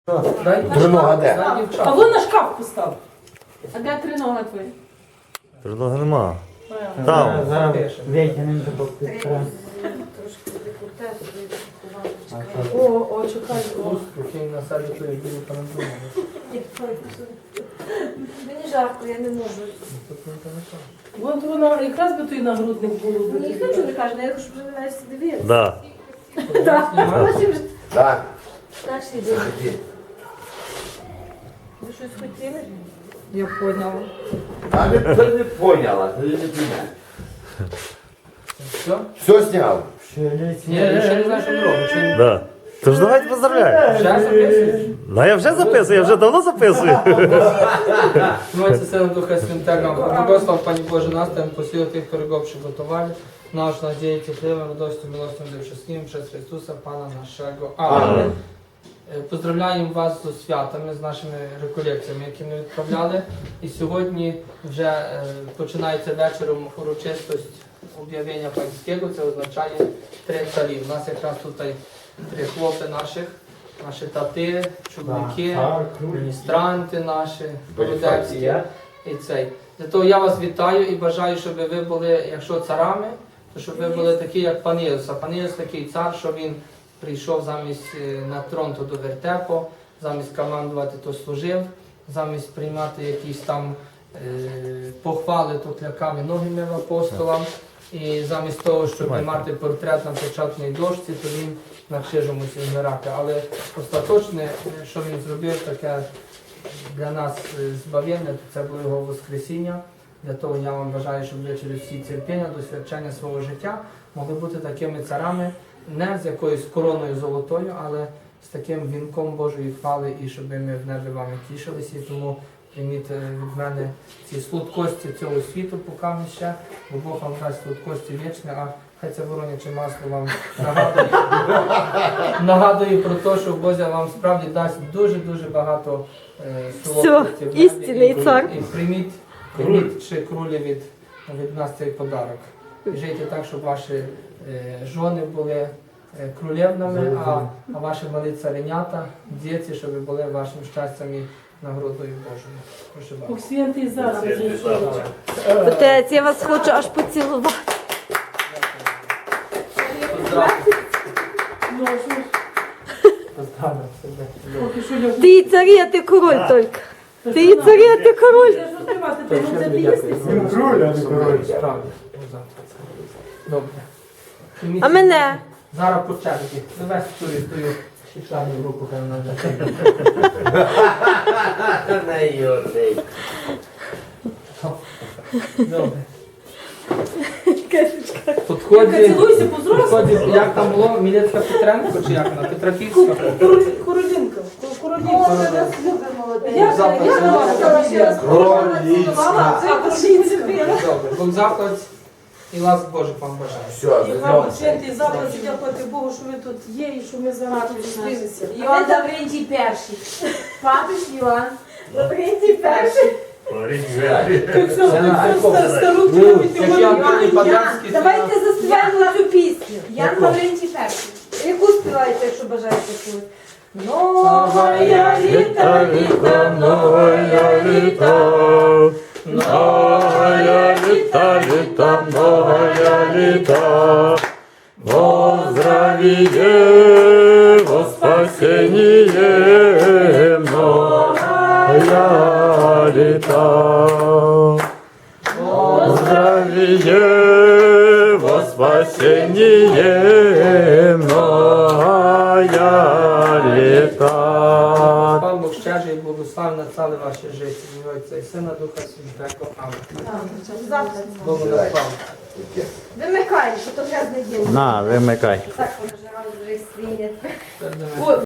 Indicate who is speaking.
Speaker 1: Тринога де?
Speaker 2: А вон на шкаф постав.
Speaker 3: А де тринога твоя?
Speaker 4: Трудного нема. Там.
Speaker 5: Витягнемо до підтримки.
Speaker 2: О, чекай.
Speaker 3: Мені жарко, я не можу.
Speaker 2: Вон воно якраз би той нагрудник було.
Speaker 3: Мені ніхто нічого не каже, я хочу, щоб ви навіть дивилися.
Speaker 4: Да.
Speaker 1: Так.
Speaker 3: Наші дивіться. Ви щось хотіли?
Speaker 2: Я поняла.
Speaker 1: А ти не поняла, ти не поняла.
Speaker 6: Все?
Speaker 1: Все зняв?
Speaker 6: Ні, я ще не знаю, що ми робимо.
Speaker 4: Да. Тож давайте поздравляємо.
Speaker 6: Вже записуєш?
Speaker 4: Ну я вже записую, я вже давно записую.
Speaker 6: Мойці Сина Духа Святого, благослов Пані Боже нас, там посил тих, хто ригов приготували, наш надіється хлібом, радостю, милостю, дивчасним, через Хриstuса, Пана нашого. Амінь. Поздравляємо вас з святами, з нашими реколекціями, які ми відправляли. І сьогодні вже починається вечором урочистость об'явлення панського, це означає 3 царі. У нас якраз тут 3 хлопці наші тати, чоловіки, міністранти наші, городецькі і цей. Для того я вас вітаю і бажаю, щоб ви були, якщо царами, то щоб ви були такі, як пан Єсус. А пан Єсус такий цар, що він прийшов замість на трон то до вертепу, замість командувати то служив, замість приймати якісь там похвали, то кляками ноги мив апостолам. І замість того, щоб мати портрет на печатній дошці, то він на крижу мусив вмирати. Але остаточне, що він зробив, таке для нас збавлення, то це було його Воскресіння. Для того я вам бажаю, щоб ви через всі терпіння, досвідчення свого життя могли бути такими царами, не з якоюсь короною золотою, але з таким вінком Божої хвали, і щоб ми в небі вами тішилися. І тому прийміть від мене ці слудкості цього світу, поки ми ще, бо Бог вам дасть слудкості вічні, а хай це вороняче масло вам нагадує про те, що Бог вам справді дасть дуже-дуже багато солодкості в небі.
Speaker 3: істинний цар.
Speaker 6: І прийміть ще крулі від нас цей подарок. І жийте так, щоб ваші жони були крулевними, а ваші малі царинята, діти, щоб були вашим щастям і нагородою Божою. Прошу вас.
Speaker 2: Бог святий зараз.
Speaker 3: Отець, я вас хочу аж поцілувати.
Speaker 6: Поздравляю себе.
Speaker 2: Поки що я
Speaker 3: Ти і царі, а ти король тільки. Ти і царі, а ти король.
Speaker 2: Я ж розкривати, ти не заб'єшся.
Speaker 6: Справді. Добре.
Speaker 3: А мене?
Speaker 6: Зараз по черзі. Завесь тую шишану групу, хай вона вже.
Speaker 1: Не юрний.
Speaker 6: Добре.
Speaker 2: Яка
Speaker 6: Підходить,
Speaker 2: цілуйся по-зрослому.
Speaker 6: як там було, Мілецька Петренко чи як вона? Петраківська?
Speaker 2: Королінка.
Speaker 6: Добре. Бог заклад і ласк Божих вам бажаю.
Speaker 1: Все,
Speaker 2: І вам святий заклад, дякувати Богу, що ви тут є і що ми зараз тут зустрілися.
Speaker 3: Іван Лаврентій перший. Папиш Іван Лаврентій перший.
Speaker 2: Як стару
Speaker 6: Як я Антоній Паданський,
Speaker 3: Давайте заспіваємо цю пісню. Ян Лаврентій перший. Яку співаєте, якщо бажаєте чути?
Speaker 4: Новая літа, літа, новая літа. Новая літа, літа, новая літа. Во здравие, во спасение, новая літа. Во здравие, во спасение, новая літа.
Speaker 6: Пан Бог щедрий, благословен ціле ваше життя. В ім'я Отця і Сина Духа Святого. Амінь. Богу на славу.
Speaker 3: Вимикай, що то грязне діло.
Speaker 4: На, вимикай.
Speaker 3: Так, вони ж разом вже свинять.
Speaker 6: Це для мене.